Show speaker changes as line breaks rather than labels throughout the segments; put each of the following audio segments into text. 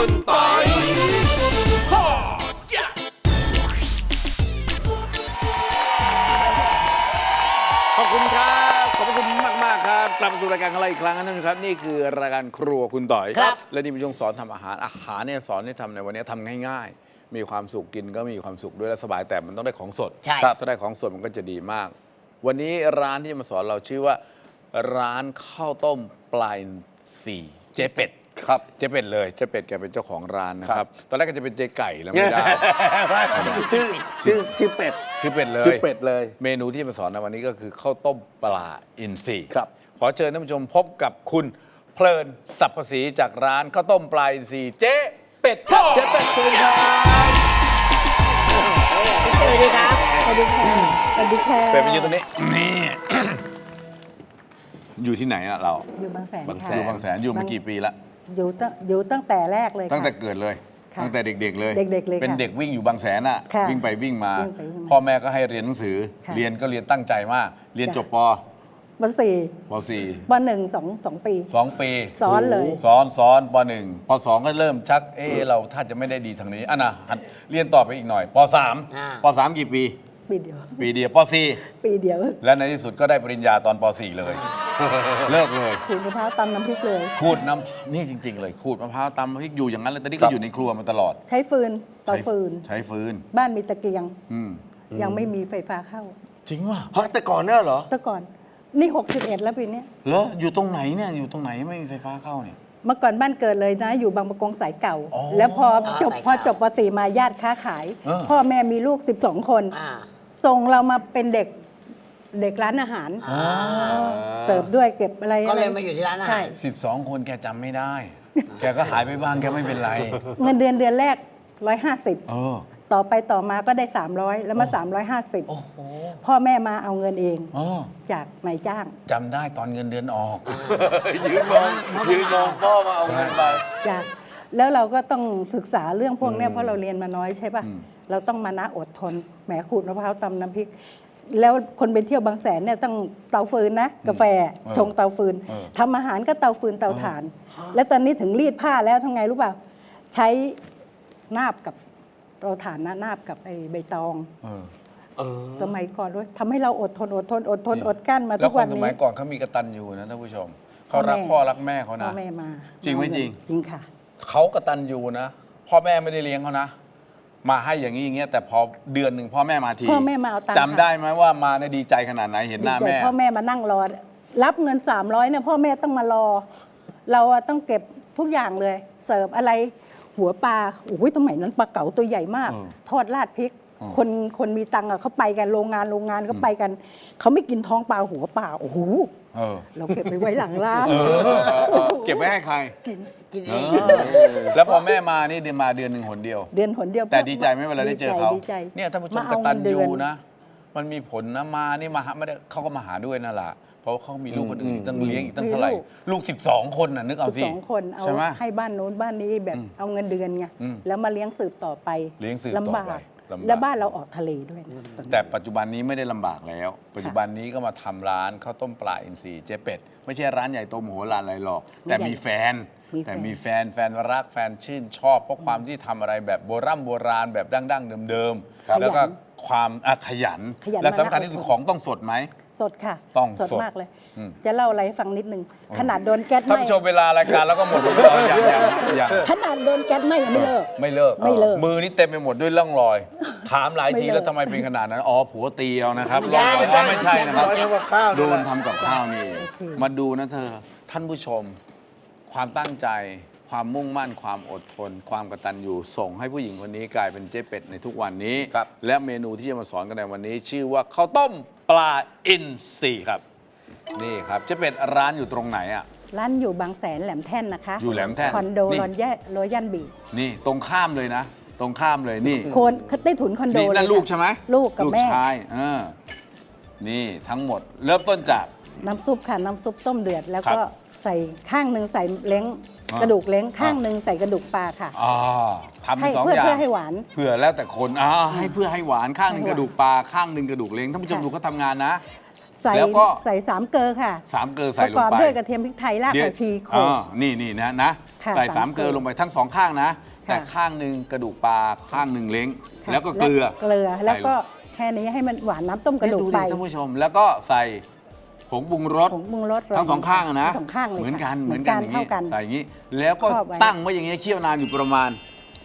คุณปอยขอบคุณครับขอบคุณมากๆครับกลับมาสู่รายการของเราอีกครั้งนะท่านผู้ชมครับนี่คือรายการครัวคุณต่อยครับและนี่เป็นช่วงสอนทำอาหารเนี่ยสอนให้ทำในวันนี้ทำง่ายๆมีความสุขกินก็มีความสุขด้วยและสบายแต่มันต้องได้ของสด
ใช่
ถ้าได้ของสดมันก็จะดีมาก วันนี้ร้านที่จะมาสอนเราชื่อว่าร้านข้าวต้มปลาอินทรีเจ๊เป็ดครับเจ๊เป็ดเลยเจ๊เป็ดแกเป็นเจ้าของร้านนะครับตอนแรกก็จะเป็นเจ๊ไก่แล้วไม่ได้
ชื่อเป็ด
ชื่อเป็ดเลย
ชื่อเป็ดเลย
เมนูที่มาสอนในวันนี้ก็คือข้าวต้มปลาอินทรี
ครับ
ขอเชิญท่านผู้ชมพบกับคุณเพลินสรรพศรีจากร้านข้าวต้มปลาอินทรีเจ๊เป็ดครับ
เจ๊เป็ดเชิญครับ
สวัสดีครับ
สวัสดีค่ะสวัสดีค่ะ
เป็ดไปยืนตรงนี้นี่ อยู่ที่ไหนอะเรา
อยู่บางแสน
บางแส
ค่ะ
อยู่บางแสนอยู่มากี่ปีละ
อยู่ตั้งแต่แรกเลยค่ะ
ตั้งแต่เกิดเลย
ค่ะ
ตั้งแต่เด็กๆเลย
เด็กๆเลยค่ะ
เป็นเด็กวิ่งอยู่บางแสนอะ
ค่ะ
วิ่งไปวิ่งมา
วิ่งไปวิ่งมา
พ่อแม่ก็ให้เรียนหนังสือ
ค่ะ
เรียนก็เรียนตั้งใจมาก เรียน
จ้ะ
จบป
ปสี่
ปสี่
ปหนึ่งสองปี
2 ปี
สอนเลย
สอนป .1 ป .2 ก็เริ่มชักเราถ้าจะไม่ได้ดีทางนี้อ่ะนะหัดเรียนต่อไปอีกหน่อยป .3 ป .3 กี่ปี
ปีเดียว
ปีเดียวป
ปีเดียว
.4 และในที่สุดก็ได้ปริญญาตอนป .4 เลย เลิกเลย
ขูดมะพร้าวตำน้ำพริกเลย
ขูดน้ำนี่จริง ๆ เลยขูดมะพร้าวตำน้ำพริกอยู่อย่างนั้นเลยตอนนี้ก็อยู่ในครัวมาตลอด
ใช้ฟืนต่อฟืน
ใช้ฟืน
บ้านมีตะเกียง
อืม
ยังไม่มีไฟฟ้าเข้า
จริงว่ะ
ฮะแต่ก่อนเนี่ยเหรอ
แต่ก่อนนี่61แล้วปีเนี้ย
เหรออยู่ตรงไหนเนี่ยอยู่ตรงไหนไม่มีไฟฟ้าเข้าเนี่ย
เมื่อก่อนบ้านเกิดเลยนะ อยู่บางประกงสายเก่า
อ๋อ
แล้วพอจบ
สาย
พอ
เก่า
จบป .4 มาญาติค้าขาย
เออ
พ่อแม่มีลูก12 คน
อ่า
ส่งเรามาเป็นเด็กร้านอาหาร เสิร์ฟด้วยเก็บอะไร
ก็เลย
อะไร
มาอยู่ที่ร้านอาหาร
ใช่
12 คนแกจำไม่ได้ แกก็หายไปบ้างแกไม่เป็นไร
เงินเดือนแรก 150
เออ
ต่อไปต่อมาก็ได้ 300 แล้วมา
โอ้โห
350 พ่อแม่มาเอาเงินเอง
อ๋อ
จากนายจ้าง
จำได้ตอนเงินเดือนออก
ยืนมองพ่อมาเอาเงินไป
จ้ะแล้วเราก็ต้องศึกษาเรื่องพวกเนี้ยเพราะเราเรียนมาน้อยใช่ป่ะ
อืม
เราต้องมานะอดทนแหมขูดมะพร้าวตำน้ำพริก แล้วคนไปเที่ยวบางแสนเนี่ยต้องเตาฟืนนะ กาแฟชงเตาฟืนทำอาหารก็เตาฟืนเตาถ่าน แล้วตอนนี้ถึงรีดผ้าแล้วทำไงรู้เปล่า ใช้นาบกับเตาถ่านนะนาบกับไอ้ใบตอง
เออ
สมัยก่อนด้วยทำให้เราอดทนอดกลั้นมา
แล้
ทุ
ว
ก
ค
วัน น
ส
นี้
มัยก่อนเขามีกตัญญูนะท่านผู้ชม เขารัก
พ่อแม่
พ่อรักแม่เขา
พ่
นะ
อแม่มา
จริงไหมจริง
จริงค่ะ
เขากตัญญูนะ พ่อแม่ไม่ได้เลี้ยงเขานะ มาให้อย่างนี้อย่างเงี้ยแต่พอเดือนหนึ่งพ่อแม่มาที
พ่อแม่มาเอาตังค์
จำได้ไหมว่ามาในยดีใจขนาดไหนเห็นหน้า
ดีใจ
แม่
พ่อแม่มานั่งรอ รับเงิน300เนี่ยพ่อแม่ต้องมารอ เราอะต้องเก็บทุกอย่างเลย เสิร์ฟอะไรหัวปลาโอ้ยสมัยนั้นปลาเก๋าตัวใหญ่มาก ทอดราดพริก คนมีตังค์อะเขาไปกันโรงงานก็ไปกัน เขาไม่กินท้องปลาหัวปลาโอ้โห
เออ
เราเก็บไปไว้หลังร้าน
เก็บไว้ให้ใคร
กิน
กินเอ
เอง อแล้วพอแม่มานี่เดือนมาเดือนหนึ่งหนเดียว
เดือนหนเดียว
แต่ดีใจไหมเวลาได้เจอเขา
ดีใจ
เนี่ยท่านผู้ชม
มาก เอา
ตัญ
เงินเดื
ญู
อน
นะ มันมีผลนะมานี่มาหาไม่ได้เขาก็มาหาด้วยนั่นแหละเพราะว่าเขามีลูกคนอื่นอีกตั้งเลี้ยงอีกตั้งเท่าไหร่ ลูก 12 คนน่ะนึกเอาสิ
12 คนเอา
ใช่ไหม
ให้บ้านนู้นบ้านนี้แบบเอาเงินเดือนไง
อืม
แล้วมาเลี้ยงสืบต่อไป
เลี้ยงสืบต่อไป
ลำบาก
ลำบาก
แล้วบ้านเราออกทะเลด้วยนะตอนนั้น
แต่ปัจจุบันนี้ไม่ได้ลำบากแล้ว ปัจจุบันนี้ก็มาทำร้านข้าวต้มปลาอินทรีเจ๊เป็ด ไม่ใช่ร้านใหญ่โตมโหฬารอะไรหรอก แต่มีแฟน แต่มีแฟนรักแฟนชื่นชอบ เพราะความที่ทำอะไรแบบโบราณแบบดั้งๆเดิมๆแล้วก็ความขยัน และสำคัญที่สุดของต้องสดไหม
สดค่ะ
ต้องสด
มากเลย
อืม
จะเล่าอะไรให้ฟังนิดนึง ขนาดโดนแก๊สไห
ท่าน
ม้
ผู้ชมเวลารายการแล้วก็หมดแล้วอย่าง
ขนาดโดนแก๊สไหม้ยังไม่เลิก
ไม่เลิก
ไม่เลิก
มือนี่เต็มไปหมดด้วยร่องรอย ถามหลายที
ไม่เลิก
แล้วทำไมเป็นขนาดนั้น อ๋อผัวตีเอานะครับร่องรอยอ๋อไม่ใช่นะครับ
ร้อยทำกับข้าว
โดนทำกับข้าวนี่เองมาดูนะเธอ ท่านผู้ชม ความตั้งใจ ความมุ่งมั่น ความอดทน ความกตัญญูส่งให้ผู้หญิงคนนี้กลายเป็นเจ๊เป็ดในทุกวันนี้
ครับ
และเมนูที่จะมาสอนกันในวันนี้ ชื่อว่าข้าวต้มปลาอินทรีครับ นี่ครับเจ๊เป็ดร้านอยู่ตรงไหนอ่ะ
ร้านอยู่บางแสนแหลมแท่นนะคะ
อยู่แหลมแท่น
คอนโด
นี่
รอยันบี
นี่ตรงข้ามเลยนะ ตรงข้ามเลยนี่
โคนใต้ถุนคอนโด
นี่
เลย
นั่นลูก
ค่ะ
ใช่ไหม
ลูกกับแม่
ชายนี่ทั้งหมดเริ่มต้นจาก
น้ำซุปค่ะน้ำซุปต้มเดือด แล้ว
ครั
ก็
บ
ใส่ข้างหนึ่งใส่เล้ง
อ่าก
ระดูกเล้งข้าง
อ่า
หนึ่งใส่กระดูกปลาค่ะ
ทำ
ให้
สอง
เพื่อ
อย่าง
เพื่อให้หวาน
เพื่อแล้วแต่คนให้เพื่อให้หวานข้างหนึ่ง
ให้
ก
หวาน
ระดูกปลาข้างหนึ่งกระดูกเล้งท่านผู้ชม
ค่ะ
ดูเขาทำงานนะ
ใส่
แล้วก็
ใส่3 เกลือค่ะ
3 เกลือ
ป
ใส่
ระ
ล
ก
ง
อบ
ไป
ด้วยกระเทียมพริกไทยรากผักชีโขลก
นี่นะ
ค่ะ
ใส่
สาม
3 เกลือ
เกลือ
ลงไปทั้ง 2 ข้างนะ
ค่ะ
แต่ข้างหนึ่งกระดูกปลาข้างหนึ่งเล้ง
ค่ะ
แล้วก็เกลือ
เกลือแล้วก็
ใส่
แค่นี้ให้มันหวานน้ำต้มกระดูก
ดิ
ไป
ท่านผู้ชม แล้วก็ใส่ผงปรุงรส
ผงปรุงรส
ทั้ง 2 ข้างอะนะ
ทั้งสองข้างเลย
เหมือนกัน
ค่ะ
เหมือนกันอย่าง
เท่า
นี้
กัน
ใส่อย่างนี้ แล้วก็
ครอบไว้
ตั้งไว้อย่างนี้เคี่ยวนานอยู่ประมาณ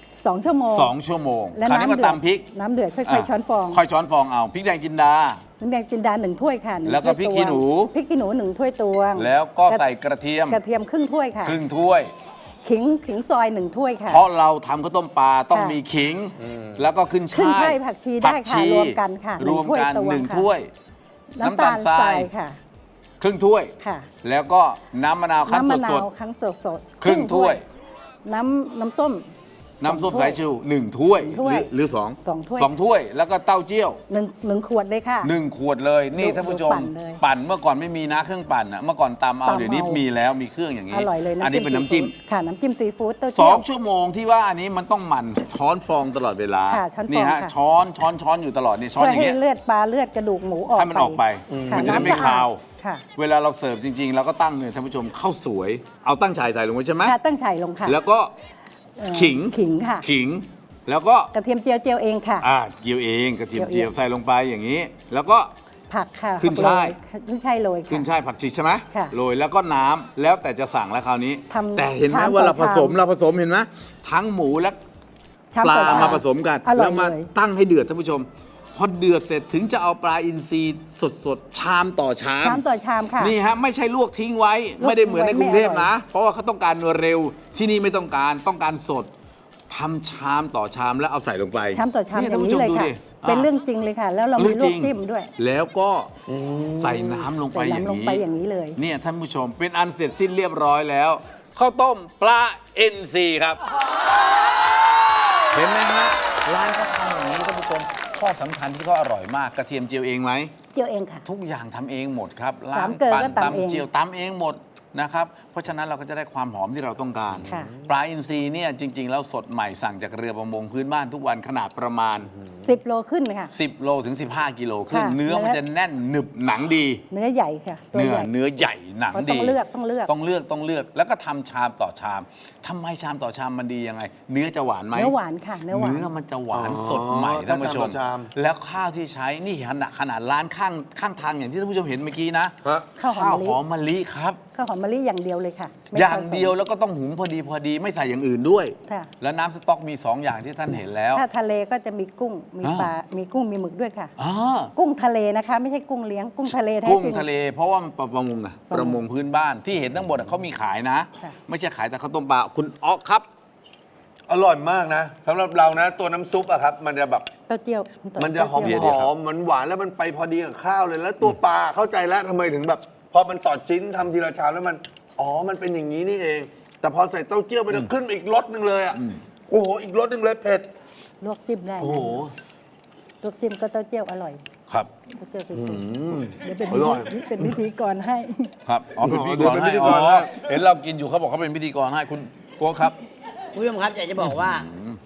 2 ชั่วโมง
2 ชั่วโมง
และ
คราวนี้
น้ำ
มา
เดือด
ตำพริก
น้ำเดือดค่อยๆช้อนฟอง
ค่อยช้อนฟองเอาพริกแดงจินดา
น้ำแดงจินดา1 ถ้วยค่ะ1
แล้วก็พริกขี้หนู
พริกขี้หนู1 ถ้วยตวง
แล้วก็ใส่กระเทียม
กระเทียมครึ่งถ้วยค่ะ
ครึ่งถ้วย
ขิงซอย1 ถ้วยค่ะ
เพราะเราทำข้าวต้มปลาต้อง
ค่ะ
มีขิง แล้วก็ขึ้น
ขึ้น
ช่าย
ช่ายผักชีได้ค่ะ
ผั
รวมกันค่ะ
รวมกัน
1 ถ้วยตวง
หนึ่ง
ค่ะ
ถ้วย
น้ำตาลทรายค่ะ
ครึ่งถ้วย
ค่ะ
แล้วก็น้ำมะนาวคั้น
น้ำมะนา
สด
วคั้นสด
ๆครึ่งถ้วย
น้ำส้ม
น้ำส้ม
2
สายชู1 ถ้วย
ถ้วย
หรือ
สองถ้วย
2 ถ้วย แล้วก็เต้าเจี้ยว
หนึ่งขวดเลยค่ะ
1 ขวดเลย นี่
ดู
ท่านผู้ชม
ปั่นเลย
ปั่นเมื่อก่อนไม่มีนะเครื่องปั่นอะเมื่อก่อนตำเอา
ตำเอา
เดี๋ยวนี้มีแล้วมีเครื่องอย่างนี้
อร่อยเลย
อันนี้เป็นน้ำจิ้ม
ซีฟู้ดค่ะน้ำจิ้มซีฟู้ดเต้าเจี้ยว
2 ชั่วโมงที่ว่าอันนี้มันต้องหมั่นช้อนฟองตลอดเวลา
ค่ะช้อนฟอง
นี่ฮะ
ค่ะ
ช้อนอยู่ตลอดนี่ช้อน
เพื่อ
อย่าง
ให้
เงี้ย
เลือดปลาเลือดกระดูกหมูออก
ให้มันออกไป
ค่ะ
มันจะได้ไม่
ำสะอ
คาว
ค่ะ
เวลาเราเสิร์ฟจริงๆเราก็ตั้งเนี่ยท่านผู้ชมข้าวสวย เอาตั้งฉายใส่ลงไปใช่ไหม
ค่ะตั้งไฉลงค่ะ
แล้วก็
เอ่อ
ขิง
ขิงค่ะ
ขิง แล้วก็
กระเทียมเจียวเองค่ะ
เจียวเองกระเทียม
เจี
เจี
ย
ยว
วเอง
ใส่ลงไปอย่างนี้ แล้วก็
ผักค่ะ
ขึ้นช่าย
ขึ้นช่ายโรยค่ะ
ขึ้นช่ายผักชีใช่ไหม
ค่ะ
โรยแล้วก็น้ำแล้วแต่จะสั่งแล้วคราวนี้
ทำ
แต่เห็นไหม
ชามต่อ
ว่าเราผสม
ชาม
เราผสมเห็นไหมทั้งหมูและ
ชาม
ปลา
ต่อช
มาผสมกัน
อร่อ
แล้
ยว
มา
เลย
ตั้งให้เดือดท่านผู้ชม พอเดือดเสร็จถึงจะเอาปลาอินทรีสดๆชามต่อชาม
ชามต่อชามค่ะ
นี่ฮะไม่ใช่ลวกทิ้งไว้
ลวก
ไม่ได้เหมือนในกรุงเทพ
ไม่อร่อย
นะ เพราะว่าเขาต้องการเร็วที่นี่ไม่ต้องการสดทำชามต่อชามแล้วเอาใส่ลงไป
ชามต่อชาม
นี่
อ
ท่าน
ย่าง
ผู้
นี้
ชม
เลย
ดู
ค่ะ
ดิ
เป็นเรื่องจริงเลยค่ะ แล้วเรามีลวกจิ้มด้วย
แล้วก็ใส่น้ำลงไป
ใส่
อย่าง
น้ำลง
นี้
ไปอย่างนี้เลย
เนี่ยท่านผู้ชมเป็นอันเสร็จสิ้นเรียบร้อยแล้วข้าวต้มปลาเอ็นซีครับ เห็นไหมฮะร้านเขาทำอย่างนี้ท่านผู้ชมข้อสำคัญที่เขาอร่อยมากกระเทียมเจียวเองไหม
เจียวเองค่ะ
ทุกอย่างทำเองหมดครับล้า
สาง มเกลือ
ปั่น
ก็ตำเอง
ตำเจียวตำเองหมดนะครับ เพราะฉะนั้นเราก็จะได้ความหอมที่เราต้องการ
ค่ะ
ปลาอินทรีเนี่ยจริง ๆ แล้วสดใหม่สั่งจากเรือประมงพื้นบ้านทุกวันขนาดประมาณ
10 โลขึ้นเลยค่ะ
10 โลถึง 15 กิโลขึ้น
ค่ะ
เนื้อมันจะแน่นหนึบหนังดี
เนื้อใหญ่ค่ะ ตัวใหญ่
เนื้อใหญ่หนัง
เพราะ
ดี
ต้องเลือก
ต้องเลือกแล้วก็ทำชามต่อชามทำไมชามต่อชามมันดียังไง เนื้อจะหวานไหม
เนื้อหวานค่ะ เนื้อหวาน
เนื้อมันจะหวาน
อ๋อ
สดใหม่ท่านผู้ชม
ถ้าชามต่อชาม
แล้วข้าวที่ใช้นี่ขนาดร้านข้างทางอย่างที่ท่านผู้ชมเห็นเมื่อกี้นะ
ฮะ
ข้าวหอมมะลิ
หอมมะลิครับ
ข้าวหอมมะลิอย่างเดียวเลยค่ะไม่
อย่าง
ผสม
เดียวแล้วก็ต้องหุงพอดีไม่ใส่อย่างอื่นด้วย
ค่ะ
แล้วน้ำสต๊อกมี 2 อย่างที่ท่านเห็นแล้ว
ถ้าทะเลก็จะมีกุ้ง มี
อ่า
ปลา มีกุ้ง มีหมึกด้วยค่ะ
อ่า
กุ้งทะเลนะคะ ไม่ใช่กุ้งเลี้ยง กุ้งทะเลแท้
กุ้ง
จริง
ทะเลเพราะว่ามันประมงอะประมงพื้นบ้านที่เห็นทั้งหมดอะเขามีขายนะ
ค่ะ
ไม่ใช่ขายแต่ข้าวต้มปลาคุณอ๊อกครับ
อร่อยมากนะสำหรับเรานะ ตัวน้ำซุปอะครับ มันจะแบบ
เต้าเจี้ยว
มันจะหอม
เดี๋ยว
หอมมันหวานแล้วมันไปพอดีกับข้าวเลย แล้วตัวปลาเข้าใจแล้วทำไมถึงแบบ พอมันต่อชิ้นทำทีละชามแล้วมันอ๋อมันเป็นอย่างนี้นี่เอง แต่พอใส่เต้าเจี้ยวมันจะขึ้นอีกรสหนึ่งเลยอ่ะโอ้โหอีกรสหนึ่งเลยเผ็ด
ลวกจิ้มได้
โอ้โห
ลวกจิ้มก็เต้าเจี้ยวอร่อย
ครับ
เต้าเจี้ยวซีฟู้ด
อืม
เดี๋ยวเป็น
อร่อย
เป็นพิธีกรให้
ครับอ๋อเป็นพิธีกร
เป็น
ให้
พิธี
อ๋
กรให้
อเห็นเรากินอยู่เขาบอกเขาเป็นพิธีกรให้คุณโก้ครับ
คุณผู้ชมครับอยากจะบอกว่า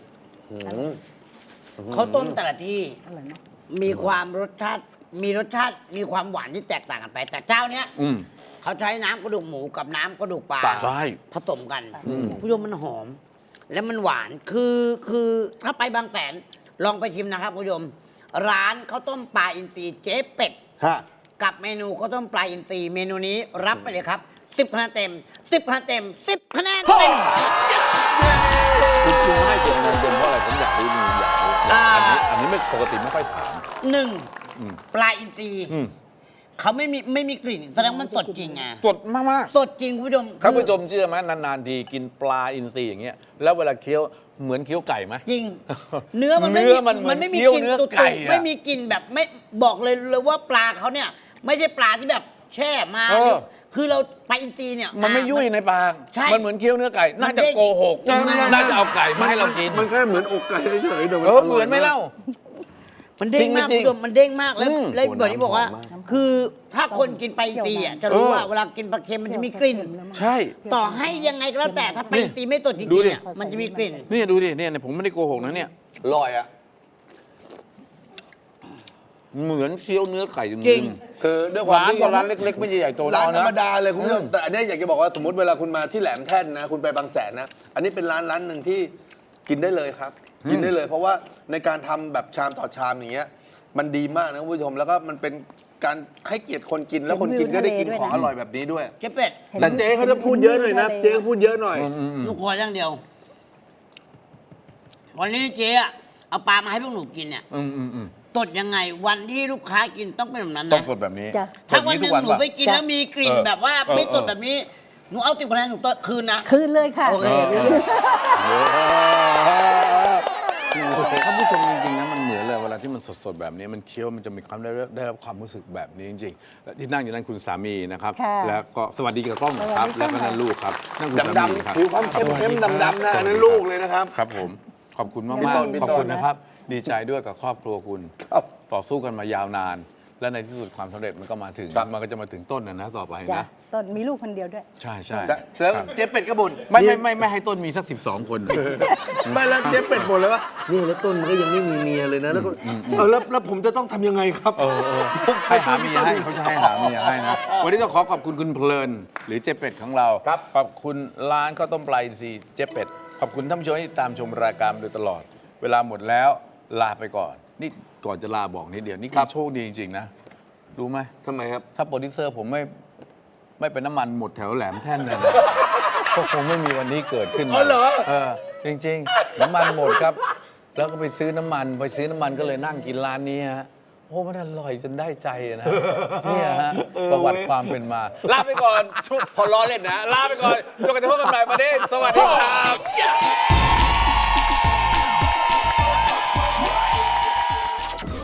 ข้าวต้มแต่ละที่
อร่อยนะ
มีความรสชาติมีความหวานที่แตกต่างกันไป แต่เจ้าเนี้ย
อืม
เขาใช้น้ำกระดูกหมูกับน้ำกระดูกปลา
ใช่
ผสมกันคุณผู้ชมมันหอม และมันหวานคือถ้าไปบางแสนลองไปชิมนะครับคุณผู้ชมร้านข้าวต้มปลาอินทรีเจ๊เป็ด
ฮะ
กับเมนูข้าวต้มปลาอินทรีเมนูนี้รับไปเลยครับ10 คะแนนเต็ม10 คะแนนเต็ม10 คะแนนเต็ม
คุณให้ผมเต็มเพราะอะไรผมอยากรู้อยากรู้
อ่า
อันนี้ไม่ปกติไม่ค่อยถาม
หนึ่ง
อืม
ปลาอินทรี
อืม
เขาไม่มีกลิ่นแสดงว่ามันสดจริงไง
สดมาก
สดจริงคุณผู้ชม
ๆท่านผู้ชมเชื่อไหมนานๆทีกินปลาอินทรีอย่างเงี้ยแล้วเวลาเคี้ยวเหมือนเคี้ยวไก่ไหม
จริง เนื้อมัน
เนื้อมันเหมือน
ไม่มี
เคี้ยว
กลิ่น
เนื้อ
ตุ่
ไก่
ๆ
อะ
ไม่มีกลิ่นแบบไม่บอกเลยว่าปลาเขาเนี่ย ไม่ใช่ปลาที่แบบแช่มา
เออ
คือเราปลาอินทรีเนี่ย
มันไม่ยุ่ยในปาก
ใช่
มันเหมือนเคี้ยวเนื้อไก่ น่าจะ
มันเด้ง
โกหก น่าจะเอาไก่มาให้เรากิน
มันแค่เหมือนอกไก่เฉยๆแต่
เออเหมือนไหมเล่า
มันเด้งมาก
จริงๆ
คุณผู้ชมมันเด้งมากแล้ว
อืม
แล้วแบบที่บอกว่า
โอ้น้ำหอมมาก
คือถ้าคนกินปลาอินทรีอ่ะจะรู้
เออ
ว่าเวลากินปลาเค็มมันจะมีกลิ่น
ใช่
ต่อให้ยังไงก็แล้วแต่ถ้าปลาอินทรีไม่สดจริง
ดู
ๆ
ดิ
เนี่ยมันจะมีกลิ่น
นี่ดูดิเนี่ยผมไม่ได้โกหกนะเนี่ยอร่อยอ่ะเหมือนเคี้ยวเนื้อไก่จ
จริ
ริ
ง
ง
คือด้วยความ
ร้าน
ที่
ก็ร้านเล็กๆไม่ใช่ใหญ่โต
ร้านธรรม
นะ
ดาเลยคุณผู้ชมแต่อันนี้อยากจะบอกว่าสมมติเวลาคุณมาที่แหลมแท่นนะคุณไปบางแสนนะอันนี้เป็นร้านหนึ่งที่กินได้เลยครับ กินได้เลย เพราะว่าในการทำแบบชามต่อชามอย่างเงี้ยมันดีมากนะคุณผู้ชมแล้วก็มันเป็นการให้เกียรติคนกินแล้วคนกินก็ได้กินของอร่อยแบบนี้ด้วย
เจ๊เป็ด
แต่เจ๊เขาจะพูดเยอะหน่อยนะเจ๊เขาพูดเยอะหน่อย
หนูขออย่างเดียว วันนี้เจ๊อะเอาปลามาให้พวกหนูกินเนี่ย ตดยังไงวันที่ลูกค้ากินต้องเป็นแบบนั้น
ต้อง
นะ
สดแบบนี้
จ้ะ
ถ้าวันห
ทุ
นึ่
ก
ง
วัน
หนู
ป่ะ
ไปกินแล้วมีกลิ่น
เออ
แบบว่า
เออ
ไม่ตดแบบนี้หนูเอา10 คะแนนหนูคืนนะ
คืนเลยค่ะ
โอเค
ท่านผู้ชมจริงๆนะมันเหมือนเลยเวลาที่มันสดๆแบบนี้มันเคี้ยวมันจะมีความได้รับความรู้สึกแบบนี้จริงๆและที่นั่งอยู่นั่นคุณสามีนะครับ
ค่ะ
แล้วก็สวัสดีกับกล้องครับ
สวัสดีค่ะ
แล้วก็นั่นลูกครับนั่นคุณสามีครับ
ดำๆผิวความเข้มๆดำๆนะอันนั้นลูกเลยนะครับ
ครับผมขอบคุณมาก
พี่ต้น
ๆ
พี่
ขอบ
ต้น
คุณนะครับ ดีใจด้วยกับครอบครัวคุณ
ครับ
ต่อสู้กันมายาวนาน และในที่สุดความสำเร็จมันก็มาถึง
ครับ
มันก็จะมาถึงต้นนะต่อไป
จ้ะ
นะ
ตอนมีลูกคนเดียวด้วย
ใช่ใช่
แล้ว
ครับ
เจ๊เป็ดก็บ่น
ไม่ให้ต้นมีสัก 12 คน
ไม่แล้วเจ๊เป็ดบ่นเลยว่านี่แล้วต้นมันก็ยังไม่มีเมียเลยนะแล้วก็แล้วผมจะต้องทำยังไงครับ
ให้หาเมียให้เขาจะให้หาเมียให้นะ วันนี้ต้องขอขอบคุณคุณเพลิน หรือเจ๊เป็ดของเรา
ครับ
ขอบคุณร้านข้าวต้มปลาอินทรีย์เจ๊เป็ด ขอบคุณท่านผู้ชมที่ตามชมรายการมาโดยตลอด เวลาหมดแล้วลาไปก่อน นี่ก่อนจะลาบอกนิดเดียว นี่คือโชคดีจริงๆนะ รู้ไหม
ทำไมครับ
ถ้าโปรดิวเซอร์ผมไม่เป็นน้ำมันหมดแถวแหลมแท่นเลยนะ ก็คงไม่มีวันนี้เกิดขึ้น
อ๋อเหรอ
จริงๆ น้ำมันหมดครับ แล้วก็ไปซื้อน้ำมันก็เลยนั่งกินร้านนี้ฮะโอ้มันอร่อยจนได้ใจนะเนี่ยฮะประวัติความเป็นมา ลาไปก่อนพอล้อเล่นนะ ลาไปก่อนจนกระทั่งพบกันใหม่ประเด็นสวัสดีครับ